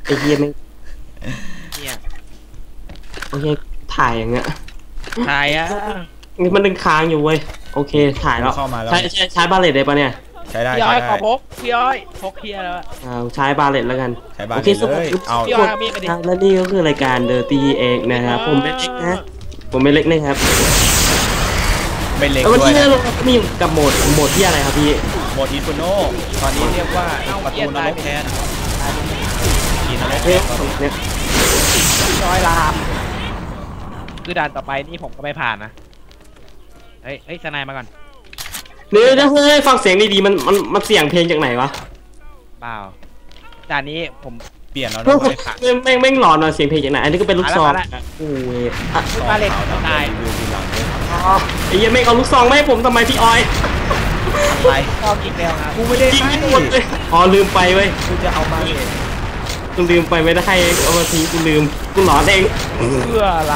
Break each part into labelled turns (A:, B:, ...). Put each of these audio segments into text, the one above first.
A: ไอ้เหี้ยไม่
B: เนี่ย
A: โอเคถ่ายอย่างเงี้ย
B: ถ่ายอ่ะ
A: มันดึงค้างอยู่เว้ยโอเคถ่ายแล้วใช้บาเลตได้ปะเนี่ย
C: ใช้ได้
B: พี่อ้อยขอพกพี่อ้อยพกเฮียแล้ว
A: ใช้บาเลตแล้วกัน
C: ใช้บาเลต
A: เลย
C: เอา
B: พี่อ้อยมีดไปดิ
A: แล้วนี่ก็คือรายการ Dirty Egg นะครับผมเป็นเล็กนะผมเป็นเล็กนะครับ
C: เป็นเล็ก
A: แล้ววัน
C: ด้วย
A: ที่เรามีกับโหมดที่อะไรครับพี่
C: โหมดอินฟิโนตอนนี้เรียกว่าประตูนรกแทนกินนรก
A: เนี่ย
B: พี่อ้อยลามคือด่านต่อไปนี่ผมก็ไม่ผ่านนะเฮ้ยสไนมาก่อน
A: เดี๋ยวเฮ้ยฟังเสียงดีๆมันเสียงเพลงจากไหนวะ
B: เปล่าด่านนี้ผม
C: เปลี่ยนแล้ว
A: แม่งหลอนเสียงเพลงจากไหนอันนี้ก็เป็นลูกซองโอ้ย
B: มาเล่นตาย
A: ไอ้ยังไม่เอาลูกซองไม่ให้ผมทำไมพี่ออย
B: ไปชอบกินแล้วครับ
C: กูไม่ได้
A: ยิงหมดเลยลืมไปเว้ย
C: กูจะเอามาเลย
A: กูลืมไปไม่ได้ให้เอามาทีกูลืมกูหลอนเอง
B: เพื่ออะไร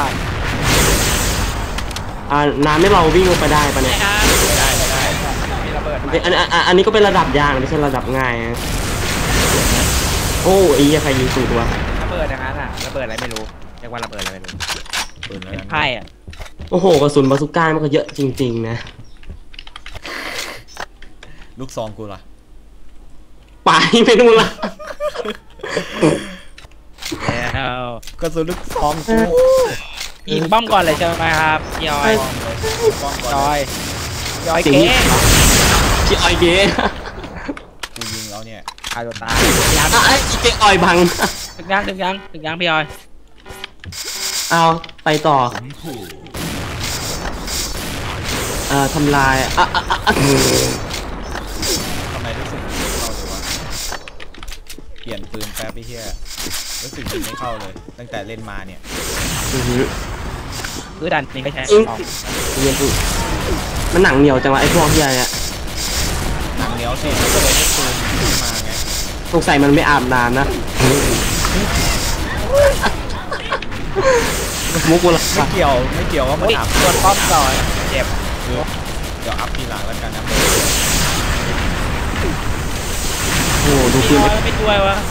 A: น้ำไม่เราวิ่งลงไปได้ปะเนี่ย
C: ได้
B: มีระเบิด
A: อันนี้ก็เป็นระดับยากไม่ใช่ระดับง่ายนะโอ้ยใครยิงสูดวะ
B: ระเบิดอย่างนั้นอ่ะระเบิดอะไรไม่รู้เรียกว่าระเบิดอะไรไม่รู้เป็นไพ่อ่ะ
A: โอ้โหกระสุนบาซูก้ามันก็เยอะจริงๆนะ
C: ลูกซองกูล่ะ
A: ไปไม่นู่นละ
C: กระสุนลูกซองกู
B: ยิงป้อมก่อนเลยใช่ไหมครับพี่อ้อยจอยเก๋
A: พี่อ้อยเก๋
C: กูยิงแล้วเนี่ย
B: ตายตัวตาย
A: ไอ้เก๋อ้อยบัง
B: ถึงยังพี่อ้อย
A: เอาไปต่อทำลาย
C: ทำไมรู้สึกเข้าเลยวะเปลี่ยนปืนแป๊บไปเฮียรู้สึกยิงไม่เข้าเลยตั้งแต่เล่นมาเนี่ย
B: คือดันนี่ไม่ใช่
A: มันหนังเหนียวจังวะไอ้พวกเฮียเนี่ย
C: หนังเหนียวสิก็เลยให้ปืนมาไง
A: สงสัยมันไม่อาบน้ำนะมุกกูละ
C: ไม่เกี่ยวว่ามันอัพ
B: ตัวป้อมก่อนเจ็บ
C: เดี๋ยวอัพทีหลังแล้วกันนะ
A: โอ้ดูปืน
B: ไม่ช่วยวะ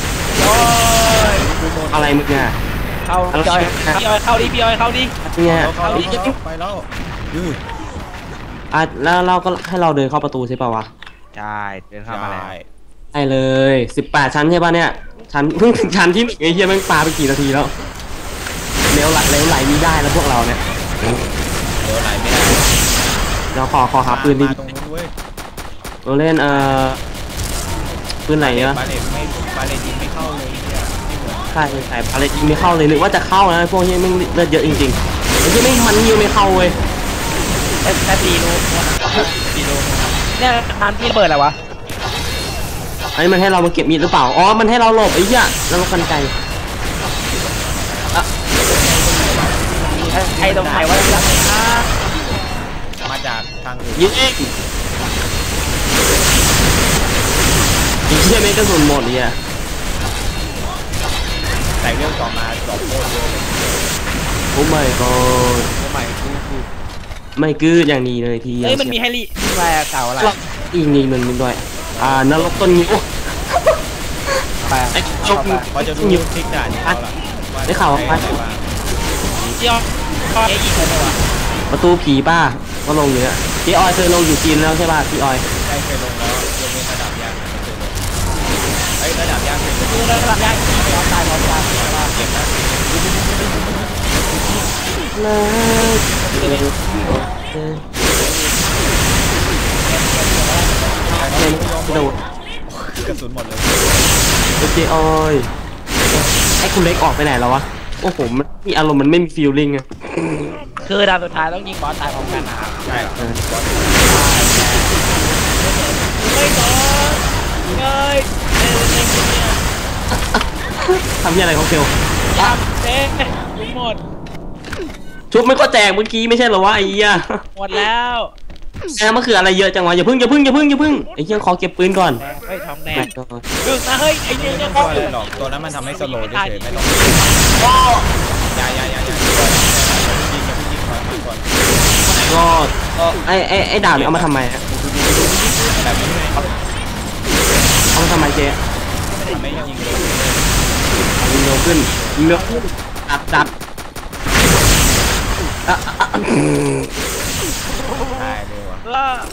A: อะไรมึงเนี่ย
B: เข้าพี่อ้อยเข้าดิพี่อ้อยเข้าดิ
A: เนี่ย
C: ไปแล้ว
A: แล้วเราก็ให้เราเดินเข้าประตูใช่ป่าวะ
B: ใช่เดินเข้ามาแล้ว
A: ใช่เลย18ชั้นใช่ป่ะเนี่ยชั้นเพิ่งถึงชั้นที่1ไอ้เหี้ยแม่งปาไปกี่นาทีแล้วเลี้ยวไหลมีได้แล้วพวกเราเนี่ย
C: เลี้ยวไหลไม่ได้
A: เราขอหาปืนดิเราเล่นปืนไหนเนี่ย
C: บาเลตยิงไม่เข้าเลย
A: ใช่บาเลตยิงไม่เข้าเลยนึกว่าจะเข้านะพวกนี้แม่งเลือดเยอะจริงๆไอ้ที่ไม่มันยิงไม่เข้าเว้ย
B: แค่ตีโลเนี่ยมันที่เปิดอะไรวะ
A: ไอ้มันให้เรามาเก็บมีดหรือเปล่าอ๋อมันให้เราหลบไอ้เหี้ยแล้วเรากันไก
B: ใครตรงไหนวะ
C: มาจากทางอื่น
A: ยิงไอ้เหี้ยไม่กระสุนหมดเนี่ย
C: แต่เรื่องต่อมาดอกโคตรเยอะ
A: โอ้ไม่ก็ไม่กืดอย่างนี้เลยที
B: เฮ้ยมันมีให้รีอะไรเก่าอะไร
A: อีกนี่มันด้วยนรกต้นงิ้วไอ้จก
C: พอจะดูคลิกด่านนี้แล้วล่ะ
A: ได้ข่าวว่า
B: เจ้ายิงเลยว่ะ
A: ประตูผีป้าก็ลงอยู่เนี่ยพี่ออยเคยลงอยู่จีนแล้วใช่ป่ะพี่ออย
C: ได้เคยลงแล้วยกเว้นระดับยากไม่เคยลงระดับยากเคยลง
B: ระดับยากเราตายเราตาย
C: เก็บนะ
A: โดด
C: กระสุนหมดเลย
A: พี่ออยไอ้คุณเล็กออกไปไหนแล้ววะโอ้โหมันมีอารมณ์มันไม่มีฟีลลิ่งอะ
B: คือดาวสุดท้ายต้องยิงบอสตายพร้อมกันนะครับ
C: ใช่
B: ไม่บอสเงย
A: ทำยังไงของเซล
B: ยับเจ๊หมด
A: ชุบไม่ก็แจกเมื่อกี้ไม่ใช่เหรอวะไอ้เหี้ย
B: หมดแล้ว
A: มันคืออะไรเยอะจังวะอย่าพึ่งไอ้เหี้ยขอเก็บปืนก่อน
B: เฮ้ยทองแดงดึงนะเฮ้ยไอ้เนี่ย
C: ยังตัวอะไรหรอกตัวนั้นมันทำให้สโลว์เฉยไม่ต้องอย่ายิงก่อน
A: ก็ไอ้ดาบเนี่ยเอามาทำไมเอามาทำไมเจ๊
C: ไม่ยิงเลย
A: ยิงเร็วขึ้นยิงเร็วขึ้นจับอ่ะ
C: ตายเลยวะ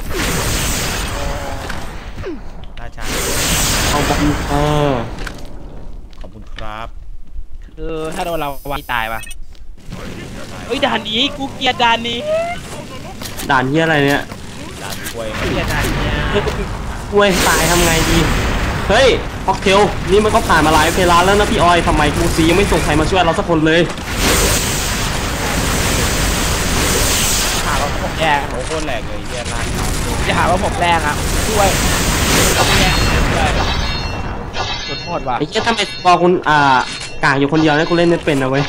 C: ราชา
A: เอาบอล
C: ขอบคุณครับ
B: คือถ้าโดนเราวางตายปะเฮ้ยด่านนี้กูเกลียดด่านนี้
A: ด่านที่อะไรเนี่ย
C: ด่านกล้วย
B: เกลียดด่านเนี้ย
A: กล้วยตายทำไงดีเฮ้ยค็อกเทลนี่มันก็ผ่านมาหลายเวลาแล้วนะพี่ออยทำไมกูซียังไม่ส่งใครมาช่วยเราสักคนเลย
B: หาว่าผมแรง
C: โอ้โคตรแหลกเลยเฮียลาก
B: จะหาว่าผมแรงอ่ะช่วยต้องแรงเลยสุดโหดว่ะ
A: ไอ้เหี้ยทำไมพอคุณกางอยู่คนเดียวเนี่ยกูเล่นไม่เป็นนะเว้ย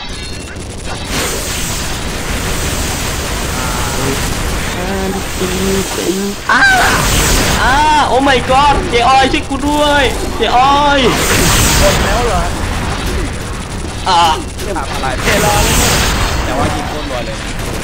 A: โอ้ my god เจออยช่วยกูด้วยเจออย
B: หมดแล้วเหรอจะทำอะไรเทรอเลยเนี่ย
C: แต่ว่ายิงโคตรรัวเลย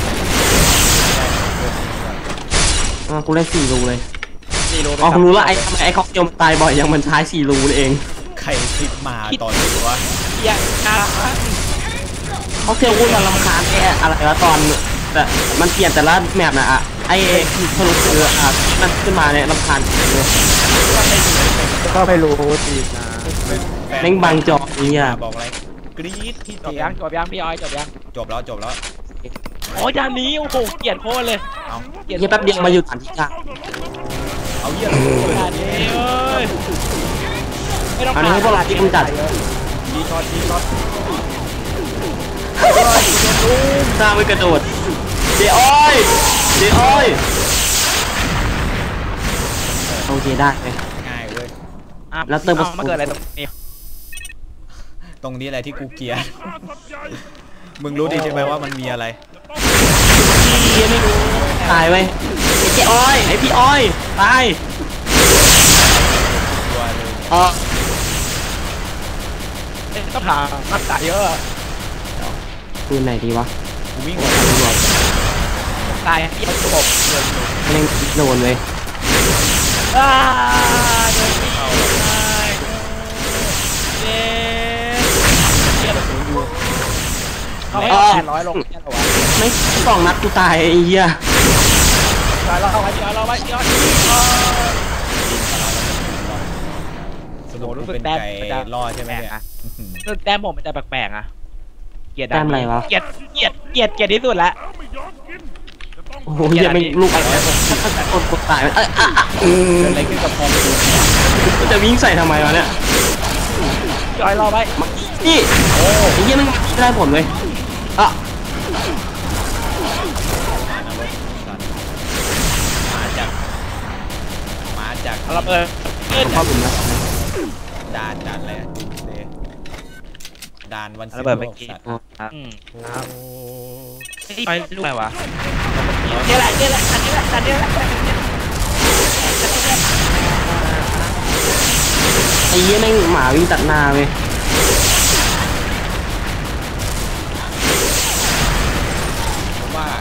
C: นะ
A: กูเล่น4 รูเลย
B: 4 รู
A: อ๋อกูรู้แล้วไอ้ทำไมไอ้ค็อกเทลตายบ่อยยังมันใช้4 รูนี่เอง
C: ใครคลิปมาตอนนี้วะ
B: เกียร์อ่ะ
A: ค็อกเทลกูมันรำคาญไอ้อะไรวะตอนแต่มันเปลี่ยนแต่ละแมปนะไอ้ทะลุคือมันขึ้นมาเนี่ยรำคาญเลย
B: ก็ไม่รู้จริงนะ
A: แม่งบังจอเนี่ย
C: บอกอะไรกรี๊ดพี่
B: จ
C: เตี
B: บ
C: ย
B: ยังจบยังพี่ออยจบยัง
C: จบแล้วจบแล้ว
B: โอ้ยด่านนี้โอ้โหเกลียดโคตรเลย
C: เอา
B: เกลียด
A: เฮียแป๊บเดียวมาอยู่ฐานที่กลาง
C: เอาเยี่ยม
B: ด่านนี้เอ้ยไม่ต้อง
A: อันนี้ให้พวกเราที่กำจัด
C: ดีช็อตดีช็อต
A: สร้างไว้กระโดดเจอ้อยโอเคได้เลย
C: ง่ายเว้ย
A: แล้วเติม
B: มาเกิดอะไรตรงนี้
C: ตรงนี้อะไรที่กูเกลียดมึงรู้ดีใช่ไหมว่ามันมีอะไร
B: พี่ไม่รู้
A: ตายไว้ไอ้เจอ้อยไอ้พี่อ้อยตาย
C: ตัวเลย
B: ต้องถามรักษาเยอะ
A: ปืนไหนดีวะ
C: กูวิ่ง
B: ตายที่ระบบ
A: เล่นโดนเลย
B: โดนพี่เข้าเย้เย้ศูนย์อยู่เขาให้800ลงแค่ตัว
A: ไม่2 นัดกูตายไอ้เหี้ย
B: เราไว้เราไว้เดี๋ยว
C: สรุปกูเป็นไก่ล่อใช่ไหมเนี่ย
B: คือแต้มผมมันจะแปลกๆอ่ะเกลียด
A: แต้มอะไรวะ
B: เกลียดที่สุดละ
A: โอ้โหเหี้ยไม่ลูกอะไรกดตาย
C: เกิดอะไรขึ้นกับพอม
A: กูจะวิ่งใส่ทำไมวะเนี่ย
B: จอยรอไว้
A: นี่โอ้ไอ้เหี้ยมันไม่ได้ผลเลย
C: มาจาก
B: เราเปิด
A: ผมเข้าผมนะ
C: ด่านอะไรด่านวันศุก
B: ระเบิดเมื่อ
C: ร์
B: กี้
C: สัตว์
B: ไปลูกอะไรวะนี่แหละอันนี้แหละ
A: ไอ้เหี้ยแม่งหมาวิ่งตัดหน้าเว้ย
C: ผมว่า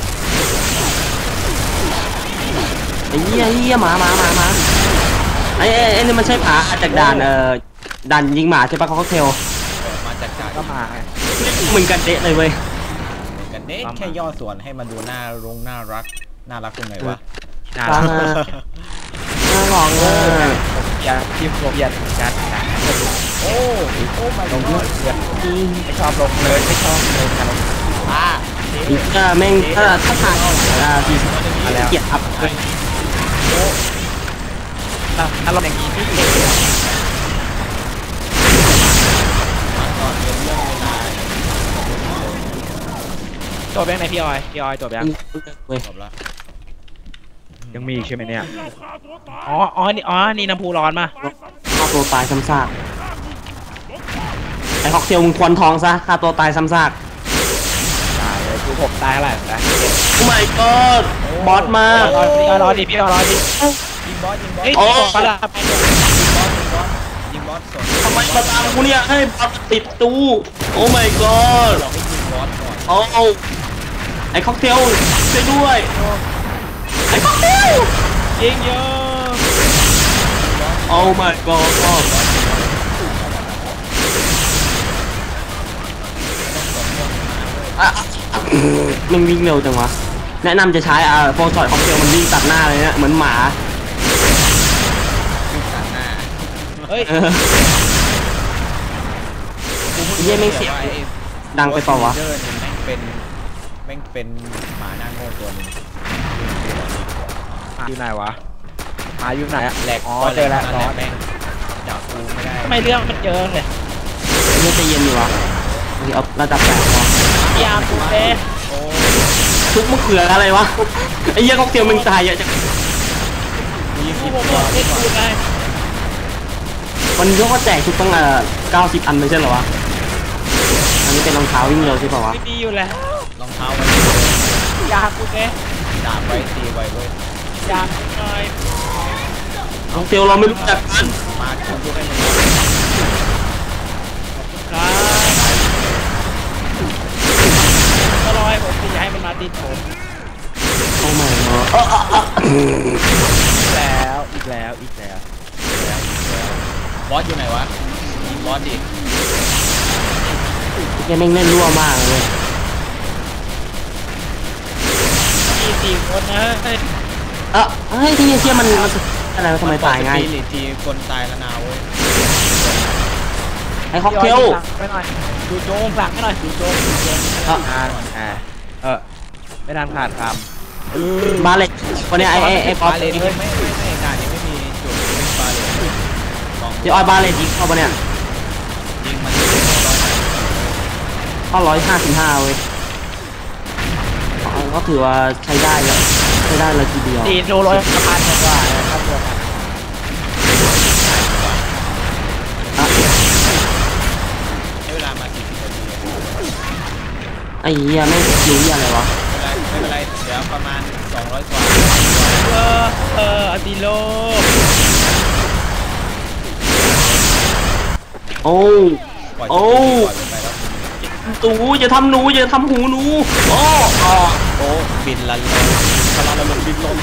A: ไอ้เหี้ยหมาไอ้นี่มันใช่ผาจากด่านด่านยิงหมาใช่ปะค็อกเทล
C: มาจากการ
B: ก็มา
A: เหมือนกันเดะเลยเว้ย
C: กันเน้แค่ย่อส่วนให้มันดูน่ารักตรงไหนวะ
B: น่า
A: น่าลองเลย
B: อยากทีมผมอยากจัดนะ
C: โอ้ไม่
B: ลงเลือดไม่ชอบลงเลยไม่ชอบเลยนะลง
A: อีกแม่งถ้าทางทีเกียรติอัพเลย
B: ถ้าลงอย่างนี้พี่จบยังไงพี่ออยจบยัง
A: เว้ย
C: จบละ
B: ยังมีใช่ไหมเนี่ยนี่น้ำพุร้อนมา
A: ฆ่าตัวตายซ้ำซากไอ้ค็อกเทลมึงควนทองซะฆ่าตัวตายซ้ำซาก
B: ตายเลยคือผมตายเท่าไหร่นะ
A: โอ้ my god บอสมา
B: รอดิพี่รอดิ
C: ยิงบอส
B: เฮ้ยปลาไป
C: ยิงบอสสด
A: ทำไมมาตามกูเนี่ยให้บอสติดตู้โอ้ my god
C: เราให้ยิงบอสก่อน
A: โอ้ไอ้ค็อกเทลช่วยด้วยไอ้ค็อกเทล
B: ยิงเยอะ
A: โอ้ my god มันวิ่งเร็วจังวะแนะนำจะใช้โฟร์ช็อตค็อกเทลมันวิ่งตัดหน้าเลยเนี่ยเหมือนหมา
C: ตัดหน้า
B: เฮ้ย
A: เยี่ยแม่งเสียงดังไปเปล่าวะ
C: เดอร์เนี่ยแม่งเป็นหมาหน้าโง่ตัวนึง
B: อยู่ไหนวะหาอยู่ไหนอะ
C: แหลก
B: อ๋อเจอแล้ว
C: ต
B: ซ
C: อน
B: อ
C: แร
B: ส
C: กแม่งจับกูไม่ได้
B: ทำไมเรื่องมันเจอเลย
A: เยี่ยใจเย็นอยู่วะเอาระดับ8พอ
B: พยายามกูเต้
C: โอ้
A: ทุกมะเขืออะไรวะไอ้เยี่ยค็อกเทลมึงตายเยอะจัง
C: ยิง
B: กู
C: ผิด
B: ผม
C: ตัว
B: เล่นกูไง
A: วันนี้เขาก็แจกชุดตั้ง90 อันไม่ใช่เหรอวะอันนี้เป็นรองเท้าวิ่งเร็วใช่ป่าวะ
B: ไม่ดีอยู่แล้ว
C: รองเท้าไว้
B: ยากูเต้
C: ดาบไว้ตีไว้เว้ย
B: ยากูหน่อย
A: ค็อกเทลเราไม่รู้จักกัน
C: มาชุบให้มัน
B: ครับก็รอให้ผมตีให้มันมาติดผม
A: โอ้ไม่เนาะ
B: อีกแล้ว
C: บอสอยู่ไหนวะยิงบอสดิ
A: เยี่ยแม่งเล่นรั่วมากเลย
B: มี4 คนนะเฮ้ย
A: เฮ้ยที่เชี่ยมันอะไรวะทำไมตายง่าย
C: หรือทีคนตายแล้วนาเว้ย
A: ไอ้ค็อกเทล
B: ไปหน่อยดูโจมหลังให้หน่อยดูโจม ไม่นานขาดค
A: บาเล็กวันนี้ไอ้ป๊อป
C: บาเลนไม่ด่านยังไม่มีจุดเป็นบาเลน
A: เดี๋ยวบาเล็กยิงเข้าปะเนี่ย
C: ยิงมัน
A: เข้า155เว้ยก็ถือว่าใช้ได้เลยทีเดียว
B: ำตีโดร้อยพันกว่าครับตัวกัน
C: ใช้เวลามา10 นาที
A: ไอ้เหี้ยไม่รู้เหี้ยอะไรวะ
C: ไม่เป็นไรเดี๋ยวประมาณ200 กว่า
B: อติโล
A: โอ้
C: ปล่อย
A: โอ้
C: ไปแล้ว
A: ตูอย่าทำหนูอย่าทำหูหนูโอ้
C: โอ้บินลันลอยพลังลมบินลอย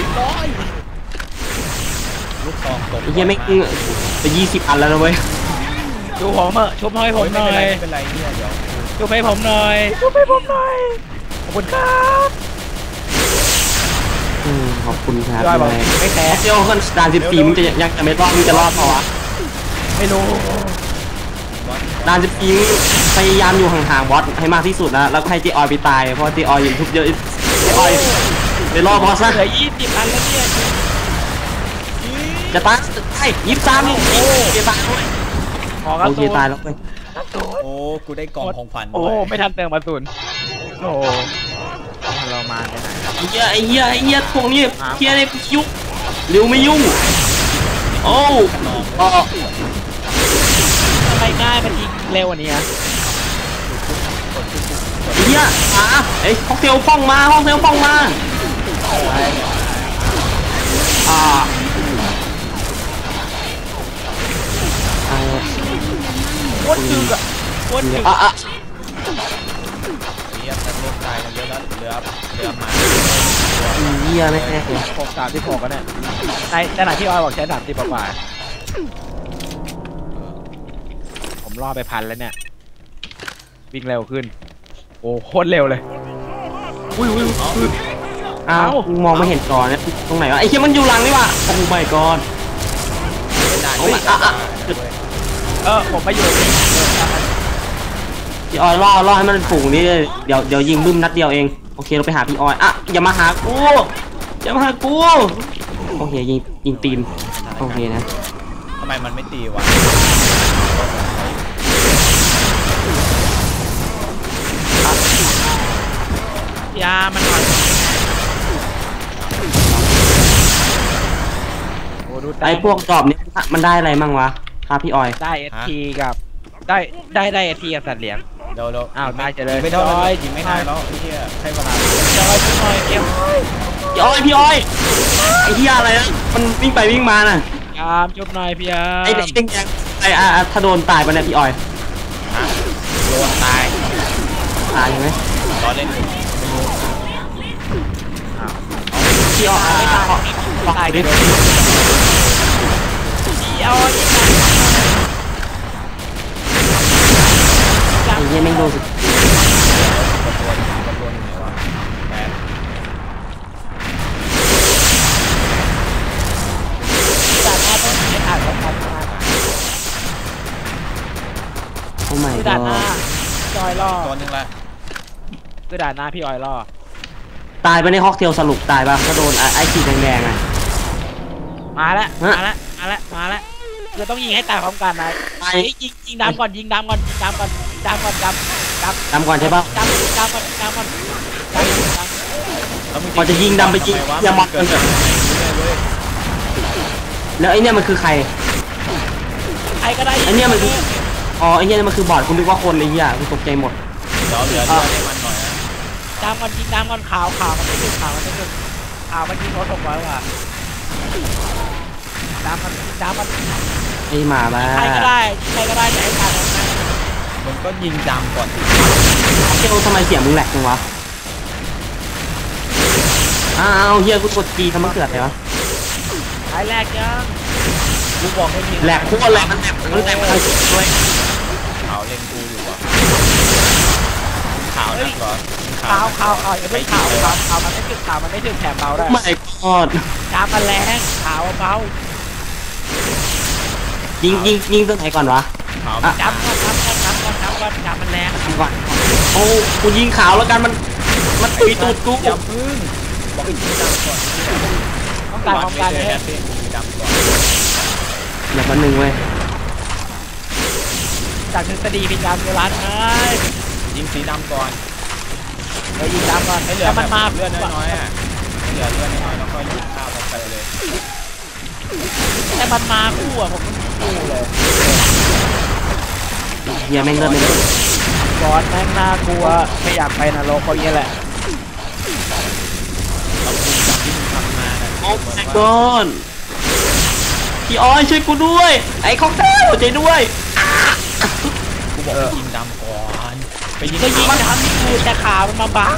C: ลูกซองตก
A: ไอ้เหี้ยไม่ไป20 อันแล้วนะเว้ย
B: ดูผมชุบให้ผมหน่อย
C: ไม่เป็นไรเนี่ยเดี๋ยว
B: ชุบให้ผมหน่อยขอบคุณครับ
A: ขอบคุณครับ
B: ยอยบอก
A: เลย
B: ไม่แพ้
A: เที่ยวขึ้นด่าน14มึงจะยังจะไม่รอดมึงจะรอดเปล่าวะ
B: ไม่รู้
A: ด่าน14มึงพยายามอยู่ห่างๆบอสให้มากที่สุดนะแล้วก็ให้เจออยไปตายเพราะเจออยอยู่ทุบเยอะเจออยไปรอบบอสซะ
B: เหลือ20 อันแล้วเนี่ย
A: จะตายไอ้23ลูกเจตายด้วย
B: ขอกระ
A: โอเค
B: สุน
A: ตายแล้วเว้ย
C: โอ้กูได้กล่องของขวัญ
B: โอ้
C: ด้วย
B: ไม่ทันเติมกระสุนโอ้เรามาไปไหน
A: ไอ้เหี้ยพวกนี้เฮียเนี่ยยุ่งเร็วไม่ยุ่งโอ้ก็
B: ทำไมง่ายมันยิงเร็วกว่านี้
A: ไอ้เหี้ยไอ้ค็อกเทลฟ้องมาอ่า
B: โคตรดึกอ่ะโคตรดึก
C: เรียบแล้วลูกตายกันเยอะแล้วเหลือมา
A: เหี้ยไม่แน่
B: 36กันเนี่ยในขณะที่ออยบอกใช้30กว่าผมล่อไป1,000แล้วเนี่ยวิ่งเร็วขึ้นโอ้โคตรเร็วเลยอุ้ย
A: อ้าวมองไม่เห็นจอเนี่ยตรงไหนวะไอ้เหี้ยมันอยู่หลังนี่ว่ะโอ้ my god
C: ได้
B: ผมมาอยู่นี่
A: พี่ออยล่อให้มันเป็นฝูงนี่เดี๋ยวยิงบึ้มนัดเดียวเองโอเคเราไปหาพี่ออยอย่ามาหากูโอเคยิงตีนโอเคนะ
C: ทำไมมันไม่ตีวะ
B: ยามันหน่อยโอ้ดู
A: ไอ้พวกจอบนี้มันได้อะไรมั่งวะครับพี่ออย
B: ได้ ST กับได้ ST กับสัตว์เลี้ยง
C: เดี๋ยว
B: อ้าวได้เจริญ
C: ไม่เท่า
B: จอย
C: ยิงไม่นานแล้วไอ้เหี้ยใช้เวลา
B: จอยช่วยหน่อยเกม
A: พี่ออยไอ้เหี้ยอะไรนะมันวิ่งไปวิ่งมาน่ะ
B: ยามจุบหน่อยพี่ยาม
A: ไอ้เด็กแดงถ้าโดนตายไปเนี่ยพี่ออย
C: ฮะโดนตาย
A: ตายใช่ไหม
C: ตอนเล่นไม่รู้
A: พี่ออยไม่ตายตายดิ
B: พี่เอาอีก
A: ไอ้เหี้ยแม่งโดนสุด
B: านพร้อมกันมา
A: โอ้ไม่
B: คือ
A: ก็
B: ด่านหน้าพี่ออยล่อ
C: ตัวหนึงละ
B: คือด่านหน้าพี่ออยล่อ
A: ตายไปในฮอกเทลสรุปตายปะถ้าโดนไอ้ขีดแดงๆไง
B: มาแล้ว
A: ฮะ
B: มาแล้วมาแล้วมาแล้วคือต้องยิงให้ตายพร้อมกันนะ
A: ไป
B: ยิงดำก่อนยิงดำก่อนยิงดำก่อนยิงดำก่อนดำ
A: ดำก่อนใช่ปะ
B: ดำก่อนดำก่อนดำ
C: แล้วมึง
A: พอจะยิงดำไปยิง
C: ทำมวะ
A: อย่ามัด
C: เกิดจากไหนเว้ย
A: แล้วไอ้เนี่ยมันคือใคร
B: ใครก็ได้
A: ไอ้เนี่ยมันคือ อ๋อไอ้เนี่ยมันคือบอดคุณนึกว่าคนไอ้เหี้ยคุณตกใจหมด
C: เดี๋ยวเหลือให้มันหน่อยนะ
B: ดำก่อนยิงดำก่อนข่าวมันไม่ถึงข่าวมันไม่ถึงข่าวมันยิงรถ600กว่าดำมัน
A: ไอ้หมาบ้า
B: ใครก็ได้แต่ให้ตายพร้อมกัน
C: มึงก็ยิงดำก่อน
A: เทลทำไมเสียงมึงแหลกจังวะอ้าวเฮียกูกดจีทำไมเกิดอะไรวะ
B: ใครแรกยัง
C: กูบอกให้ยิง
A: แหลกคู่แหลกมันแหลกมันแหลกมันทางด้วย
C: ขาวเล็งกูอยู่อะขาวนักเหรอ
B: ข่าวอย่าเพิ่งข่าวมันไม่ถึงแถมเบาได้
A: ไม่กอด
B: ดำมันแรงข่าวเบา
A: ยิงตัวไหนก่อนวะ
C: ขาว
A: อ่ะ
B: ดำก่อนดำมันแรง
A: ยิงก่อนโอ้กูยิงขาวแล้วกันมันตีตูดกู
C: อย่าพึ่งบอกให้ยิงดำก่อน
B: ต้องการพร้อมกัน
C: เล
B: เลย ย
C: ยิงดำก่อน
A: อย่ามาหนึ่งเว้ย
B: จากทฤษฎีมีการโบราณไง
C: ยิงสีดำก่อน
B: เรายิงดำก่อน
C: ให้เหลือ
B: แล้วมันมา
C: เลือดน้อยๆอ่ะให้เหลือเลือดน้อยๆแล้วก็ยิงข้าวไปเลย
B: แต่มันมาคู่อ่ะผมต้องคู่เลย
A: เฮียแม่งเลิศเลย
B: บอสแม่งน่ากลัวไม่อยากไปนรกเพราะงี้แหละ
C: เราคุยกับที่มึงทำมาน่ะ
A: โอ้แม่งก้อนพี่อ้อยช่วยกูด้วย ไอ้ค็อกเทลใจด้วย
C: กูบอกให้ยิงดำก่อนไปยิง
B: ก็ยิงทำนี่คือแต่ขามันมาบัง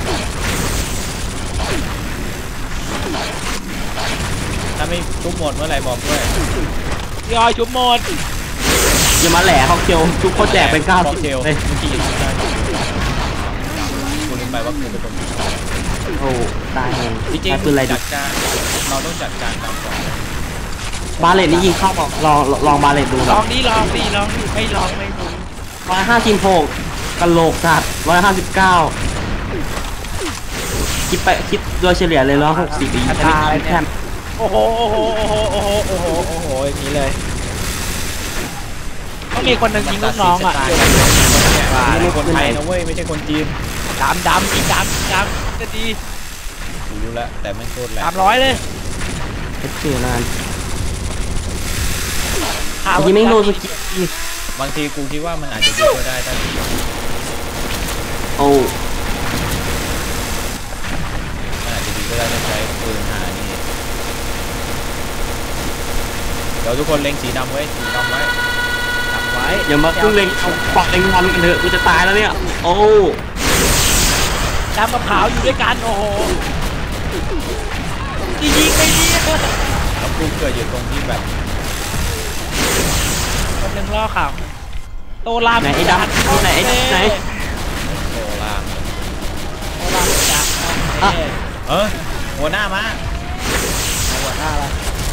C: ถ้าไม่ทุบหมดเมื่อไหร่บอกด้วย
B: ยอยชุบหมด
A: อย่ามาแหล่ค็อกเทลทุกคนแจกเป็น
C: บอก
A: 90
C: เทล
A: เลย
C: เมื่อกี้ยิงได้กูลืมไปว่ากูเป็นคนยิง
A: โอ้ตายเลย
C: จริง
A: ใช้ปืนอะไร
C: ๆ
A: ดิ
C: จัดการเราต้องจัดการดำก่อน
A: บาเลตนี่ยิงเข้าบอกลองบาเลตดู
B: ล
A: นะ
B: องดิไม่ลองไม่รู้
A: 156กะโหลกสัตว์159คิดโดยเฉลี่ยเลย160ปีแค่
B: โอ้โหอย่างนี้เลยต้องมีคนหนึ่งยิงลูกน้องอ่ะ
C: นี่คนไทยนะเว้ยไม่ใช่คนจีน
B: ดำยิงดำจะดี
C: กูรู้แล้วแต่ไม่โคตรแรง
B: 300เลย
A: เอฟซีนานยิงไม่โดนสกิล
C: บางทีกูคิดว่ามันอาจจะดีก็ได้ถ้า
A: โอ้
C: มันอาจจะดีก็ได้ถ้าใช้ปืนหานี่เดี๋ยวทุกคนเล็งสีดำไว้สีดำไว้
B: จับไว้
A: อย่ามาพึ่งเล็งเอาปากเล็งวันกันเถอะกูจะตายแล้วเนี่ยโอ้
B: ดำกับขาวอยู่ด้วยกันโอ้โหยิงไม่ดี
C: แล้วกูเกิดอยู่ตรงที่แบบ
B: คนหนึ่งล่อข่าวโตราม
A: ไหนไอ้ดำไหนไอ้ดำไหน
C: โซลาม
B: โตรามจับ
C: หัวหน้ามา
B: หัวหน้าละ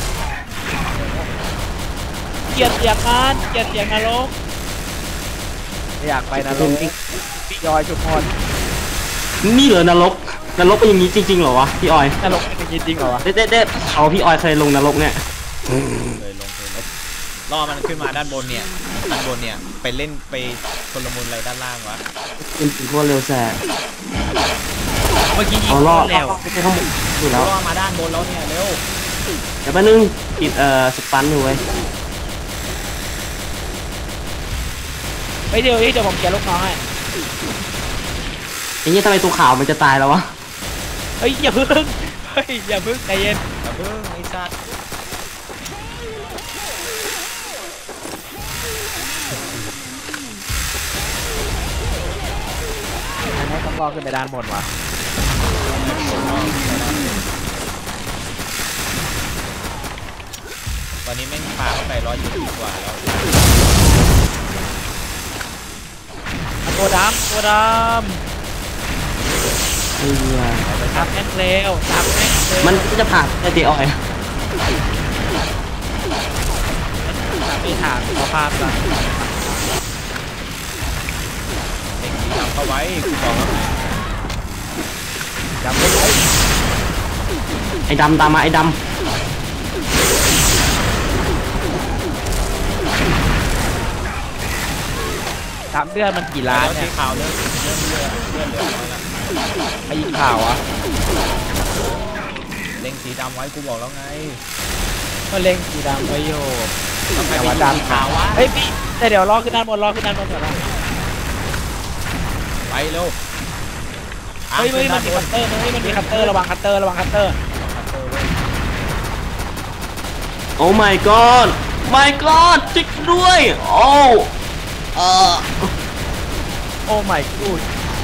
B: เกลียดเสียงงานเกลียดเสียงนรกไม่อยากไปนรกพี่ยอยชุมพร
A: นี่เหรอนรกเป็นอย่างนี้จริงๆเหรอวะพี่ออย
B: นรกเป็นจริงเหรอวะ
A: เด็ดเขาพี่ออยเคยลงนรกเนี่ย
C: เลยลงล่อมันขึ้นมาด้านบนเนี่ยไปเล่นไปคนละมุนอะไรด้านล่างวะ
A: เป็นสีพวกเร็วแสบ
B: เมื่อกี้ยิง
A: เอาล่อ
B: แล้ว
A: ไม่ใช่ข้างบนอยู่แล้ว
C: ล่อมาด้านบนแล้วเนี่ยเร็ว
A: เดี๋ยวแป๊บนึงติดสปันอยู่เว้ย
B: ไปเดี๋ยวผมเกลียดลูกน้องให้
A: ไอ้เนี่ยทำไมตัวขาวมันจะตายแล้ววะ
B: เฮ้ยอย่าพึ่งใจเย็น
C: อย่าเพิ่งไอ้สัตว์
B: อันนี้ต้องรอขึ้นไปด้านบนวะ
C: ตอนนี้แม่งปาเข้าไป120 กว่าแล้ว
B: ตัวดำ
A: เฮีย
B: จับแม่งเร็วจับแม่งเร็ว
A: มันก็จะผ่านไอ้เดียออย
B: พานกัน
C: เด็กสีดำเข้าไว้กูบอกแล้วไง
B: จำไว้
A: ไอ้ดำตามมาไอ้ด
B: ถามเดือนมันกี่ล้าน
C: แล้ว
B: เนี่
C: สี
B: ย
C: ขาวเลือดเหลือน้อยละ
B: ไอ้ยิงข่าวอ่ะ
C: เล็งสีดำไว้กูบอกแล้วไง
B: ก็เล็งสีดำไว้โย
C: ต้องไป
B: แต่
C: ดู
B: ว่า
C: สี
B: ดำ
C: ขาววะ
B: เฮ้ยพี่แต่เดี๋ยวรอขึ้นด้านบนรอขึ้นด้านบนก่อนนะ
C: ไปเร็ว
B: เฮ้ยมันมีคัตเตอร์มันมีคัตเตอร์ระวังคัตเตอร์ระวังคัตเตอร์
A: ำโอ้ my god my god จิกด้วยโอ้
B: โอ้ my god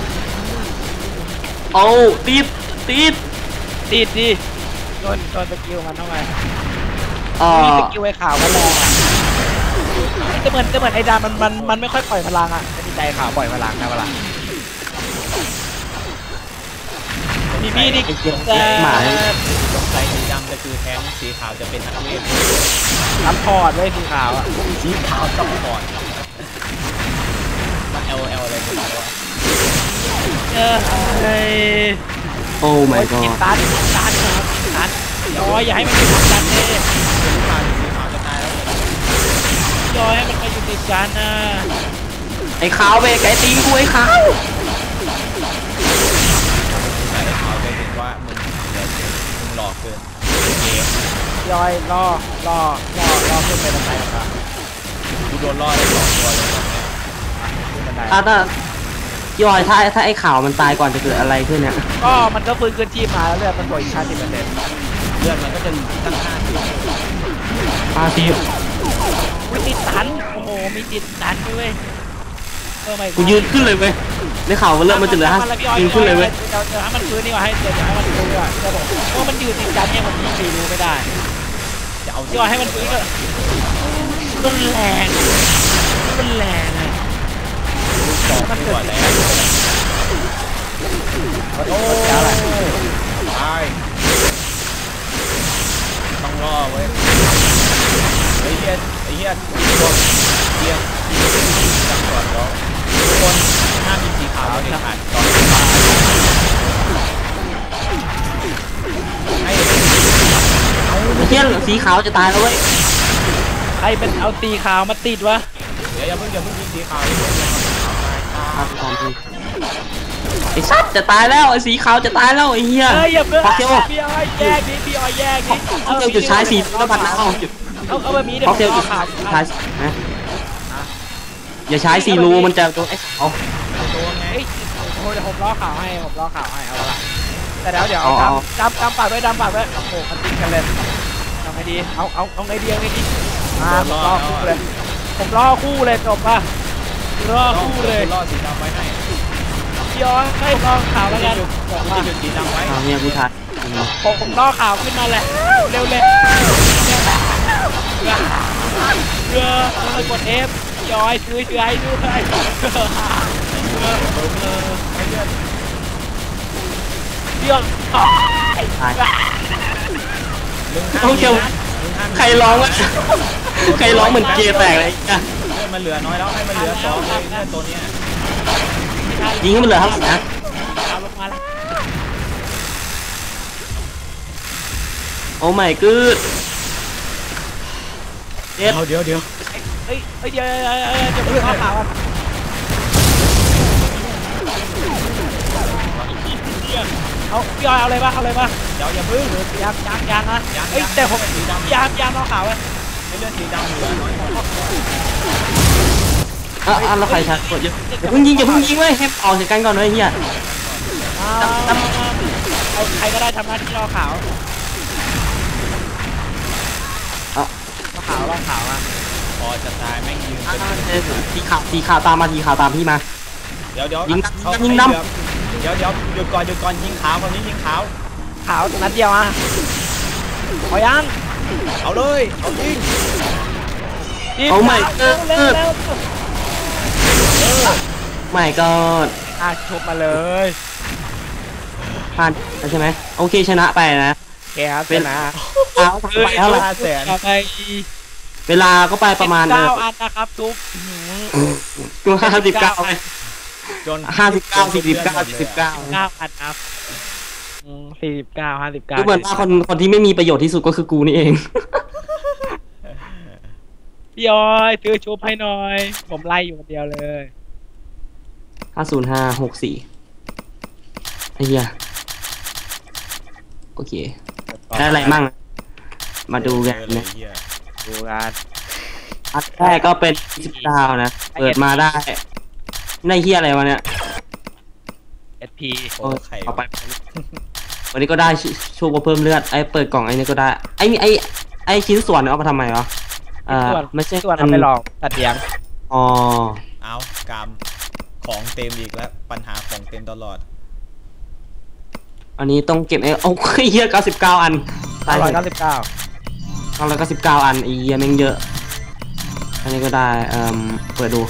A: โอ้ติดติด
B: ดีดีโดนสกิลมันทำไม
A: เอ่อ
B: มีสกิลไอ้ขาวมันแรงอ่ะจะเหมือนไอ้ดำมันไม่ค่อยปล่อยพลังอ่ะจะดีใจขาวปล่อยพลังนะเวลามีมีดิแต่
C: สงสัยสีดำจะคือแทงสีขาวจะเป็นนักเวท
B: รับพอร์ตไว้สีขาวอ่ะ
C: สีขาวซัพพอร์ตมา LL อะไรกันวะ
B: เฮ้ย
A: โอ้ my
B: กิน
A: god
B: ตันนะครับกินตันย้อยอย่าให้มันกินตันเลย
C: สีขาวจะตายแล้ว
B: ย้อยให้มันมาอยู่ติดกันนะ
A: ไอ้ขาวไปไก่ตีนกูไอ้ขาว
C: แต่ได้ข่าวไปถึงว่ามึงหลอกเกินเกม
B: ย้อยรอขึ้นไปบันไดครับ
C: กูโดนล่อได้2 ตัวเลย
B: ขึ้นบันได
A: ถ้ายอยถ้าไอ้ขาวมันตายก่อนจะเกิดอะไรขึ้นเนี่ย
B: ก็มันก็ฟื้นคืนชีพมาแล้วเลือดมันโดยชาติ10%
C: เลือดมันก็จะตั้ง50
A: อาซี
B: มีติดตันโอ้โหมีติดตันด้วยไม่
A: กูยืนขึ้นเลยเว้ยในข่าวมันเริ่มมันจะเหลือยืนขึ้นเลยเว้ย
B: เดี๋ยวให้มันฟื้นนี่ว่าให้เดี๋ยวให้มันฟื้นดีกว่าจะบอกว่ามันอยู่ติดกันเนี่ยผมยิงรู้ไม่ได้
C: จะเอา
B: ย่อยให้มันฟื้นก็มันแรงเลย
C: มันเกิดแล้วโอ้ตายต้องรอเว้ยไอ้เหี้ยพวกเหี้ยจังก่อนแล้วทุกคนห้ามมีสีขาวเด็ดขาดตอนให้
A: ไอ้เหี้ยสีขาวจะตายแล้วเว้ย
B: ใครเป็นเอาตีขาวมาติดวะ
C: เดี๋ยวอย่าเพิ่งยิงสีขาว
A: ไอ้สัตว์จะตายแล้วไอ้สีขาวจะตายแล้วไอ้เหี้ย
B: เฮ้ยอย่าเพิ่ง
A: พอเทล
B: พี่อ้อยแยกดิพี่อ้อยแยกดิ
A: พอเทลจุดใช้สีแล้วบัตรนะเอาจุด
B: เอาแบบนี้เดี๋ย
A: พ
B: ว
A: อเทลจุด
B: ขาว
A: ใช้นะอย่าใช้สีรูมันจะโดนไอ้ขาว
C: ตัวไง
B: เฮ้ยผมล้อขาวให้เอาละแต่เดี๋ยว
A: เอา
B: ดำปากด้วยโอ้โหมันติดกันเลยทำไงดีเอาไงดีผมล้อคู่เลยจบป่ะล้อคู่เลย
C: ล่อสีดำไว้ให้
B: ย้อนให้ล้อขาวแล้วกันจบ
C: กู
B: ป่ะ
C: จะหยุดสีดำไว้
A: เอาเนี่ยกูถ่าย
B: ผมล้อขาวขึ้นมาแล้วเร็วกด F ย้อยซื้อให้ด้วยเดี๋ยว
A: ถ่ายพอเทลใครร้องวะใครร้องเหมือนเกย์แตกเลยอ่ะ
C: เลือดมันเหลือน้อยแล้วให้มันเหลือ2เลยเลือดตัวเนี้ย
A: ยิงให้มันเหลือเท่าไหร่นะ
B: ขาวลงมาแล้ว
A: โอ้ my god เด็ด
C: เดี๋ยว
B: เดี๋ยวผมล้อขาวเอาพี่อ้อยเอาเลยป่ะ
C: เดี๋ยวอย่าพึ่ง
B: ยางนะเฮ้ยแต่ผมยางล้อขาวไว้
C: ให้เลือดสีดำเหลือน้อย
A: แล้วใครชักกดอย่าเพิ่งยิงเว้ยให้ออกจากกันก่อนเลยเฮีย
B: เอาใครก็ได้ทำหน้าที่ล้อขาวล้อขาวอ่ะ
C: พอจะตายแม่งยืน
A: สีขาวตามมาสีขาวตามพี่มา
C: เดี๋ยว
A: ยิง
C: เดี๋ยวหยุดก่อนยิงขาวคนนี้ยิงขาว
B: ขาวนัดเดียวอ่ะขอยัง
C: เอาเลยเอายิง
A: โอ้ my
B: เร็ว
A: ไม่ก็
B: ชมมาเลย
A: ผ่านใช่ไหมโอเคชนะไปนะ
B: แกครับชนะ
A: เอาไปเท่าไหร่
C: 500,000
B: ไป
A: เวลาก็ไปประมาณ
B: 9 อันนะครับทุก
A: กู59เลย
C: จน
A: 59 49 49
B: 9 อันครับ49 59
A: ก็เหมือนว่าคนที่ไม่มีประโยชน์ที่สุดก็คือกูนี่เอง
B: พี่ออยซื้อชุบให้หน่อย ผมไล่อยู่คนเดียวเลย
A: 50564ไอ้เหี้ยโอเคได้อะไรมั่งมาดูกัน
C: เล
A: นะ
C: ยเหี้ย
B: ดูกัน
A: อันแรกก็เป็น29นะเปิดมาได้ในเหี้ยอะไรวะเนี่ย
B: SP
C: โอ้ไข่
A: เอาไปวันนี้ก็ได้ชูก็เพิ่มเลือดไอ้เปิดกล่องไอ้นี่ก็ได้ไอ้ชิ้นส่วนเอามาทำไมวะไม่ใช่
B: ส่วนเอาไปลองตัดเลี้ยง
A: อ๋อ
C: เอากามของเต็มอีกแล้วปัญหาของเต็มตลอด
A: อันนี้ต้องเก็บโอ้ยเหี้ย99 อันตายเลย
B: 199
A: 999 อันไอ้เหี้ยแม่งเยอะ อันนี้ก็ได้เปิดดู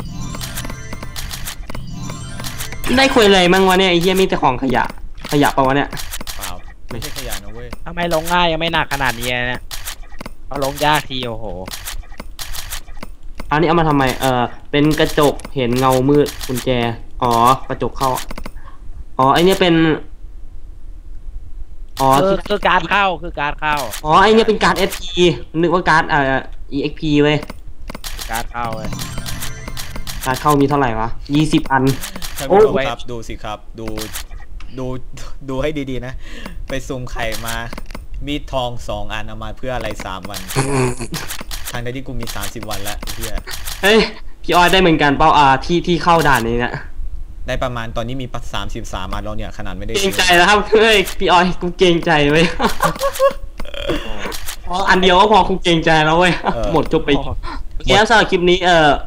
A: ได้คุยอะไรมั่งวะเนี่ยไอ้เหี้ยมีแต่ของขยะปะวะเนี่ย
C: เปล่าไม่ใช่ขยะนะเว้ย
B: ทำไมลงง่ายยังไม่หนักขนาดนี้เนี่ยเอาลงยากทีโอ้โห
A: อันนี้เอามาทำไมเป็นกระจกเห็นเงามืดกุญแจอ๋อกระจกเข้าอ๋อไอเนี้ยเป็นอ๋อ
B: คือการเข้า
A: อ๋อไอเนี้ยเป็นการ์ด SP นึกว่าการ์ดEXP เว้ย
B: การเข้าเลย
A: การ์ดเข้ามีเท่าไหร่วะ20 อัน
C: ท่าน
A: โอ้
C: ผู้ชมครับดูสิครับดูให้ดีๆนะ ไปซุ่มไข่มามีดทอง2 อันเอามาเพื่ออะไร3 วันทางใดที่กูมี30 วันแล้วเฮีย
A: เฮ้ยพี่ออยได้เหมือนกันเป้าที่เข้าด่านนี้นะ
C: ได้ประมาณตอนนี้มี33 อันแล้วเนี่ยขนาดไม่ได้
A: เกรงใจแล้วครับเฮ้ยพี่ออยกูเกรงใจเว้ยพออันเดียวก็พอกูเกรงใจแล้วเว้ยหมดจบไปโอเคครับสำหรับคลิปนี้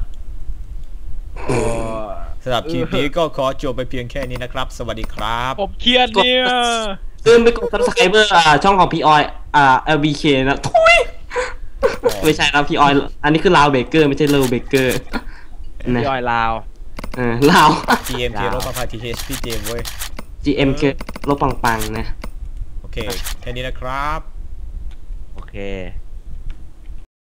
C: สำหรับคลิปนี้ก็ขอจบไปเพียงแค่นี้นะครับ สวัสดีครับ
B: ผมเครียดเนี่ย
A: ลืมไปกด subscriber ช่องของพี่ออยLBK นะทุยไม่ใช่ครับพี่ออยอันนี้คือลาวเบเกอร์ไม่ใช่เลวเบเกอร์
B: พี่ออยลาว
A: ลาว
C: GMK ลบประพา TH พี่เจมส์เว้ย
A: GMK ลบปังๆนะ
C: โอเค แค่นี้นะครับ
B: โอเค